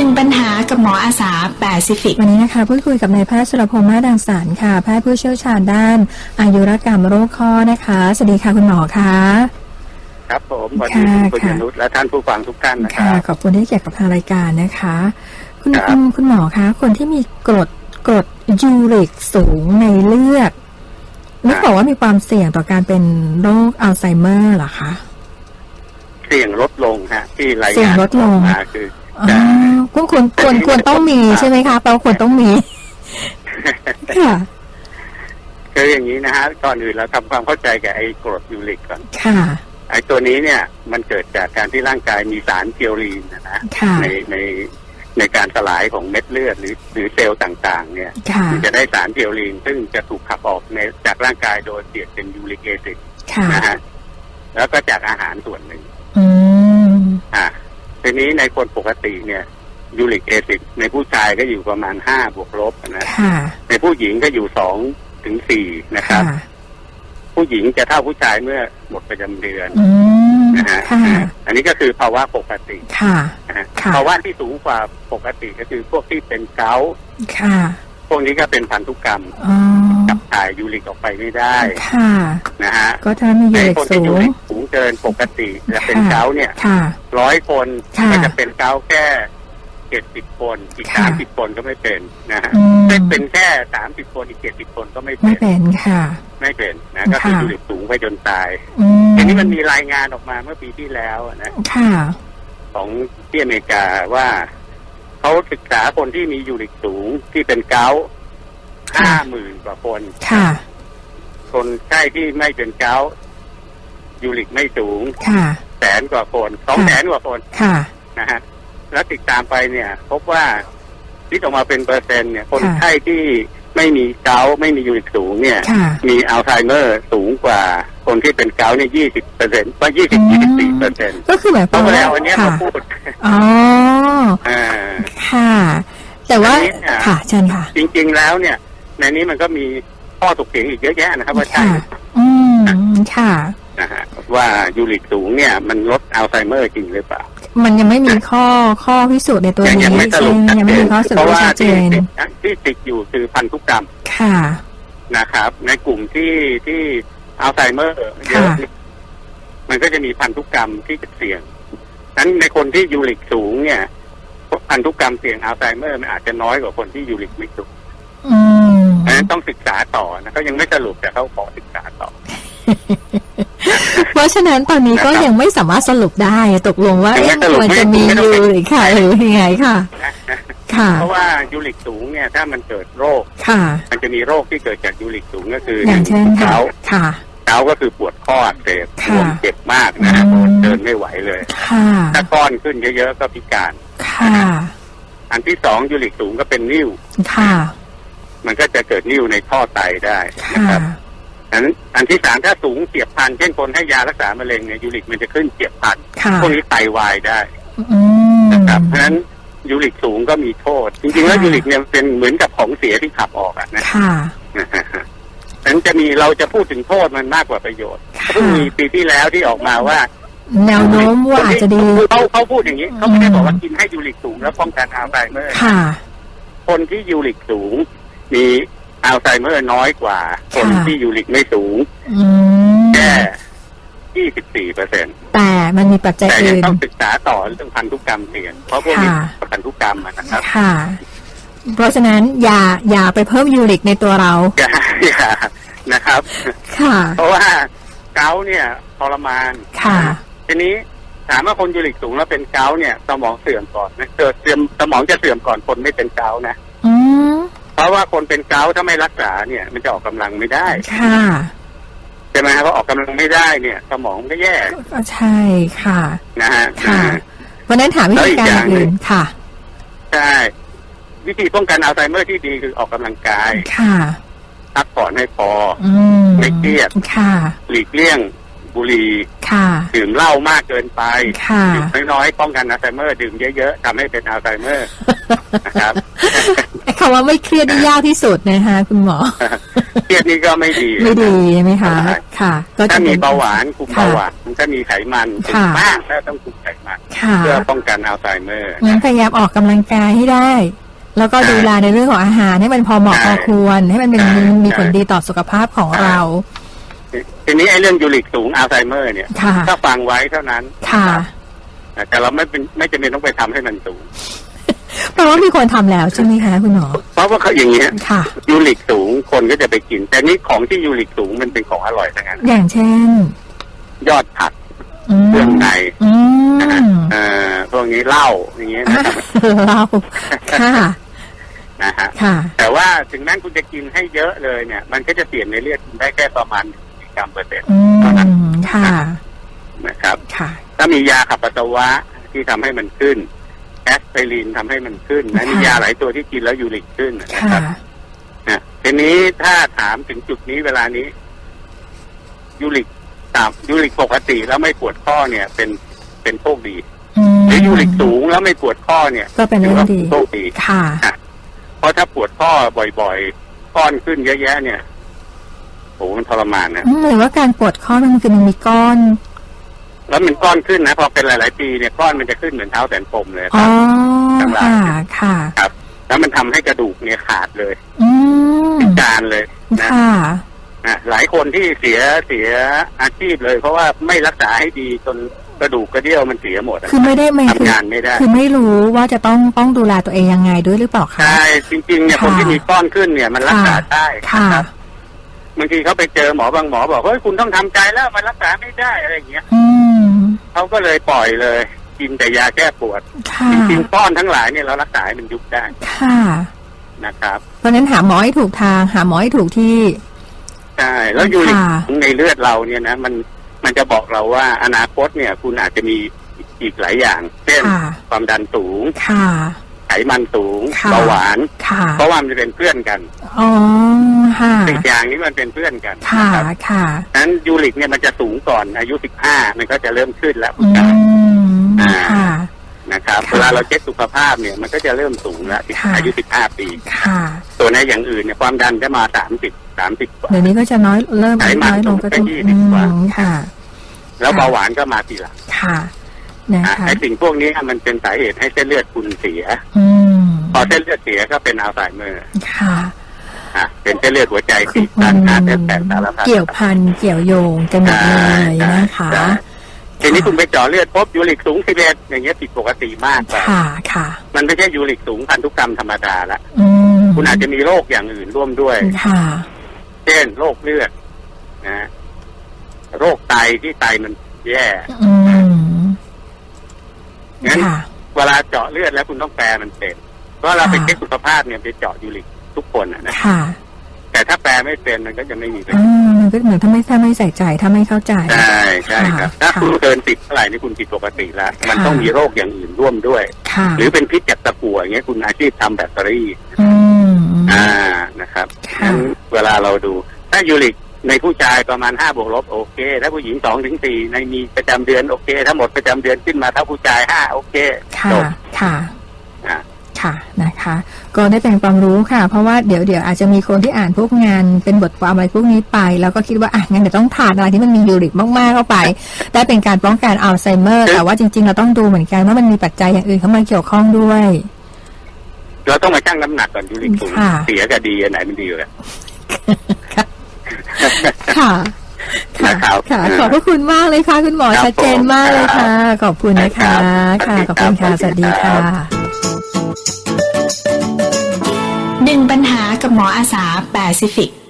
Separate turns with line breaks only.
1ปัญหากับหมออาสาแปซิฟิก
วันนี้นะคะพูดคุยกับนายแพทย์สุรพงษ์มาดังสรรค์ค่ะแพทย์ผู้เชี่ยวชาญด้านอายุรกรรมโรคข้อนะคะสวัสดีค่ะคุณหมอค่ะ
ครับผมสวัสดีคุณยนุชและท่านผู้ฟังทุกท่านนะครับ
ขอบคุณที่เกี่ยวกับทางรายการนะคะคุณหมอคะคนที่มีกรดยูริกสูงในเลือดนึกบอกว่ามีความเสี่ยงต่อการเป็นโรคอัลไซเมอร์เหรอคะ
เสี่ยงลดลงฮะที่รายงานออกมาคือ
ควรต้องมีใช่ไหมคะแปลว่าควรต้องมีค่ะ
คืออย่างนี้นะฮะก่อนอื่นเราทำความเข้าใจกับไอ้กรดยูริกก่อน
ค่ะ
ไอ้ตัวนี้เนี่ยมันเกิดจากการที่ร่างกายมีสารเพียวรีนนะในการสลายของเม็ดเลือดหรือเซลล์ต่างๆเนี่ยมันจะได้สารเพียวรีนซึ่งจะถูกขับออกจากร่างกายโดยเปลี่ยนเป็นยูริกแอซิดนะฮะแล้วก็จากอาหารส่วนหนึ่งทีนี้ในคนปกติเนี่ยยูริกแอซิดในผู้ชายก็อยู่ประมาณ5 บวกลบนะในผู้หญิงก็อยู่2 ถึง 4นะครับผู้หญิงจะเท่าผู้ชายเมื่อหมดประจำเดือนนะฮะอันนี้ก็คือภาวะปกติภาวะที่สูงกว่าปกติก็คือพวกที่เป็นเกาต์พวกนี้ก็เป็นพันธุกรรมขับถ่ายยูริกออกไปไม่ได้นะฮะ
ก็ถ้ามียูริก
สูงเกินปกติและเป็นเกาต์เนี่ย100 คนก็จะเป็นเกาต์แค่70 คนอีก30 คนก็ไม่เป็นนะฮะเป็นแค่30 คนอีก70 คนก็ไม่
เป็นค่ะ
ไม่เป็นนะก็คือยูริกสูงไปจนตายทีนี้มันมีรายงานออกมาเมื่อปีที่แล้วนะของที่อเมริกาว่าเขาศึกษาคนที่มียูริกสูงที่เป็นเกาต์50,000 กว่าคนคนไข้ที่ไม่เป็นเกาต์ยูริกไม่สูง100,000 กว่าคน200,000 กว่าคนนะฮะแล้วติดตามไปเนี่ยพบว่าคิดออกมาเป็นเปอร์เซ็นต์เนี่ยคนไข้ที่ไม่มีเกาต์ไม่มียูริกสูงเนี่ยมีอัลไซเมอร์สูงกว่าคนที่เป็นเกาต์เนี่ย20%ว่า24%
ก็คือแบบ
เพราะแล้วอันนี้เขาพูด
อ๋อค่ะแต่ว่าค่ะเชิญค่ะ
จริงๆแล้วเนี่ยในนี้มันก็มีข้อถกเถียงอีกเยอะแยะนะครับว่าใช่
ค่ะ
นะฮะว่ายูริกสูงเนี่ยมันลดอัลไซเมอร์จริงหรือเปล่า
มันยังไม่มีข้อพิสูจน์ในตัวนี้
ยังไม่
มีข้อสรุปชัดเจน
ที่ติดอยู่คือพันธุกรรม
ค่ะ
นะครับในกลุ่มที่อัลไซเมอร์เยอะมันก็จะมีพันธุกรรมที่จะเสี่ยงนั้นในคนที่ยูริกสูงเนี่ยพันธุกรรมเสี่ยงอัลไซเมอร์มันอาจจะน้อยกว่าคนที่ยูริกไม่สูงเพราะฉะนั้นต้องศึกษาต่อนะเขายังไม่สรุปแต่เขาขอศึกษาต่อ
เพราะฉะนั้นตอนนี้ก็ยังไม่สามารถสรุปได้ตกลงว่าควรจะมียูริกค่ะหรือยังไงค่ะ
เพราะว่ายูริกสูงเนี่ยถ้ามันเกิดโรคมันจะมีโรคที่เกิดจากยูริกสูงก็คือ
อย่างเช่นเกา
ต์ก็คือปวดข้ออักเสบปวดเจ็บมากนะเดินไม่ไหวเลยถ้าก้อนขึ้นเยอะๆก็พิการอันที่2ยูริกสูงก็เป็นนิ่วมันก็จะเกิดนิ่วในท่อไตได้นะครับอันที่3ถ้าสูงเฉียบพลันเช่นคนให้ยารักษามะเร็งเนี่ยยูริกมันจะขึ้นเฉียบพลันพวกนี้ไตวายได้นะครับเพราะฉะนั้นยูริกสูงก็มีโทษจริงๆแล้วยูริกเนี่ยเป็นเหมือนกับของเสียที่ขับออกนะนั้นเราจะพูดถึงโทษมันมากกว่าประโยชน์เพิ่งมีปีที่แล้วที่ออกมาว่า
แนวโน้มว่าอาจจะดี
เขาพูดอย่างนี้เขาไม่ได้บอกว่ากินให้ยูริกสูงแล้วป้องกันอัลไซเมอร์คนที่ยูริกสูงมีอัลไซเมอร์น้อยกว่าคนที่ยูริกไม่สูงแค่24%
แต่มันมีปัจจัยอื่น
แต่ยังต้องศึกษาต่อเรื่องพันธุกรรมเปลี่ยนเพราะพวกนี้พันธุกรรมนะครับ
ค่ะเพราะฉะนั้นอย่าไปเพิ่มยูริกในตัวเรา
อย่านะครับ
ค่ะ
เพราะว่าเกาต์เนี่ยทรมาน
ค่ะ
ทีนี้ถามว่าคนยูริกสูงแล้วเป็นเกาต์เนี่ยสมองเสื่อมก่อนนะสมองจะเสื่อมก่อนคนไม่เป็นเกาต์นะเพราะว่าคนเป็นเกาต์ถ้าไม่รักษาเนี่ยมันจะออกกำลังไม่ได้
ค่ะ
ใช่ไหมครับเพราะออกกำลังไม่ได้เนี่ยสมองก็แย่
ก็ใช่ค่ะ
นะฮะ
ค่ะวันนั้นถามวิธีการอื่นค่ะ
ใช่วิธีป้องกันอัลไซเมอร์ที่ดีคือออกกำลังกาย
ค่ะ
พักผ่อนให้พอไม่เครียด
ค่ะ
หลีกเลี่ยงบุหรี่ดื่มเหล้ามากเกินไปดื่มน้อยๆป้องกันอัลไซเมอร์ดื่มเยอะๆทำให้เป็นอัลไซเมอร์นะครับ
คำว่าไม่เครียดนี่ยากที่สุดนะคะคุณหมอ
เครียดนี่ก็ไม่ดี
ใช่ไหมคะค่ะ
ถ้ามีเบาหวานคุมเบาหวานมันก็มีไขมันถึงมากแล้วต้องคุมไขมันเพื่อป้องกันอัลไซเมอร์
งั้นพยายามออกกำลังกายให้ได้แล้วก็ดูแลในเรื่องของอาหารให้มันพอเหมาะพอควรให้มันเป็นมีผลดีต่อสุขภาพของเรา
ทีนี้ไอ้เรื่องยูริกสูงอัลไซเมอร์เนี่ยถ้าฟังไว้เท่านั้นแต่เราไม่จำเป็นต้องไปทำให้มันสูง
เพราะว่ามีคนทำแล้วใช่ไหมคะคุณหมอ
เพราะว่าเขาอย่างเงี้ยยูริกสูงคนก็จะไปกินแต่นี้ของที่ยูริกสูงมันเป็นของอร่อยทั้งนั้น
อย่างเช่น
ยอดผักเครื่องในพวกนี้เหล้าอย่างเงี้ย
เหล้าค่ะ
นะฮะแต่ว่าถึงแม้คุณจะกินให้เยอะเลยเนี่ยมันก็จะเปลี่ยนในเลือดได้แค่ประมาณ1 กรัมเปอร์เซ็นต์เท่านั้นนะครับถ้ามียาขับปัสสาวะที่ทำให้มันขึ้นแอสไพรินทำให้มันขึ้นนะมียาหลายตัวที่กินแล้วยูริกขึ้นนะครับทีนี้ถ้าถามถึงจุดนี้เวลานี้ยูริกปกติแล้วไม่ปวดข้อเนี่ยเป็นโชคดีหรือยูริกสูงแล้วไม่ปวดข้อเนี่ย
ก็เป็นเรื่องดี
โชคดีค่ะเพราะถ้าปวดข้อบ่อยๆก้อนขึ้นเยอะแยะเนี่ยโหมันทรมานนะ
หรือว่าการปวดข้อมันคือมันมีก้อน
แล้วมันก้อนขึ้นนะพอเป็นหลายๆปีเนี่ยก้อนมันจะขึ้นเหมือนเท้าแสนปมเลยครับ
ค่ะ
ครับแล้วมันทำให้กระดูกเนี่ยขาดเลยพิการเลยนะหลายคนที่เสียอาชีพเลยเพราะว่าไม่รักษาให้ดีจนกระดูกกระเดี่ยวมันเสียหมด
คือไม่ได้
ทำงานไม่ได้
คือไม่รู้ว่าจะต้องดูแลตัวเองยังไงด้วยหรือเปล่าคะ
ใช่จริงๆเนี่ยคนที่มีก้อนขึ้นเนี่ยมันรักษาได้ครับบางทีเขาไปเจอหมอบางหมอบอกเฮ้ยคุณต้องทำใจแล้วมันรักษาไม่ได้อะไรอย่างเงี้ยเขาก็เลยปล่อยเลยกินแต่ยาแก้ปวดจริงๆก้อนทั้งหลายเนี่ยเรารักษาให้มันยุบได้
ค่ะ
นะครับ
เพราะนั้นหาหมอให้ถูกทางหาหมอให้ถูกที่
ใช่แล้วยูริกในเลือดเราเนี่ยนะมันจะบอกเราว่าอนาคตเนี่ยคุณอาจจะมีอีกหลายอย่างเช่นความดันสูงไขมันสูงเบาหวานเพราะว่ามันจะเป็นเพื่อนกันสิ่งอย่างนี้มันเป็นเพื่อนกันนั้นยูริกเนี่ยมันจะสูงก่อนอายุ15มันก็จะเริ่มขึ้นแล้วนะครับเวลาเราเช็คสุขภาพเนี่ยมันก็จะเริ่มสูงแล้วอายุ15 ปีตัวในอย่างอื่นเนี่ยความดันจะมา30กว่า
เดี๋ยวนี้ก็จะเริ่มน้อยลงก็ต้อง
20 กว่าแล้วเบาหวานก็มาทีหลังไอ้สิ่งพวกนี้มันเป็นสาเหตุให้เส้นเลือดคุณเสียพอเส้นเลือดเสียก็เป็นอัลไซเมอร์เป็นเส้นเลือดหัวใจตีบตันเส้นแตกสารพัด
เกี่ยวพันเกี่ยวโยงกันหมดเลยนะคะ
ทีนี้คุณไปเจาะเลือดพบยูริกสูง11อย่างเงี้ยผิดปกติมาก
ค่ะ
มันไม่ใช่ยูริกสูงพันธุกรรมธรรมดาละคุณอาจจะมีโรคอย่างอื่นร่วมด้วยเช่นโรคเลือดนะโรคไตที่ไตมันแย่งั้นเวลาเจาะเลือดแล้วคุณต้องแปลมันเป็นเพราะเราไปเช็คสุขภาพเนี่ยไปเจาะยูริกทุกคนนะแต่ถ้าแปลไม่เป็นมันก็จะไม่มีประโยชน์
มันก็เหมือนถ้าไม่ใส่ใจถ้าไม่เข้าใจ
ใช่ครับถ้าคุณเกิน10เท่าไหร่นี่คุณผิดปกติแล้วมันต้องมีโรคอย่างอื่นร่วมด้วยหรือเป็นพิษจากตะกั่วอย่างเงี้ยคุณอาชีพทำแบตเตอรี่นะครับงั้นเวลาเราดูถ้ายูริกในผู้ชายประมาณ5 บวกลบโอเคถ้าผู้หญิง2 ถึง 4ในมีประจำเดือนโอเคถ้าหมดประจำเดือนขึ้นมาถ้าผู้ชาย5โอเคจบ
ค่ะนะคะก็ได้เป็นความรู้ค่ะเพราะว่าเดี๋ยวอาจจะมีคนที่อ่านพวกงานเป็นบทความอะไรพวกนี้ไปแล้วก็คิดว่างั้นเดี๋ยวต้องทานอะไรที่มันมียูริกมากๆเข้าไปได้เป็นการป้องกันอัลไซเมอร์แต่ว่าจริงๆเราต้องดูเหมือนกันว่ามันมีปัจจัยอย่างอื่นเข้ามาเกี่ยวข้องด้วย
เราต้องมาชั่งน้ำหนักก่อนยูริกสูงเสียกับดีอันไหนมันดีกว่า
ค่ะขอบพระคุณมากเลยค่ะคุณหมอชัดเจนมากเลยค่ะขอบคุณนะคะค่ะขอบคุณค่ะสวัสดีค่ะ
1 ปัญหากับหมออาสาแปซิฟิก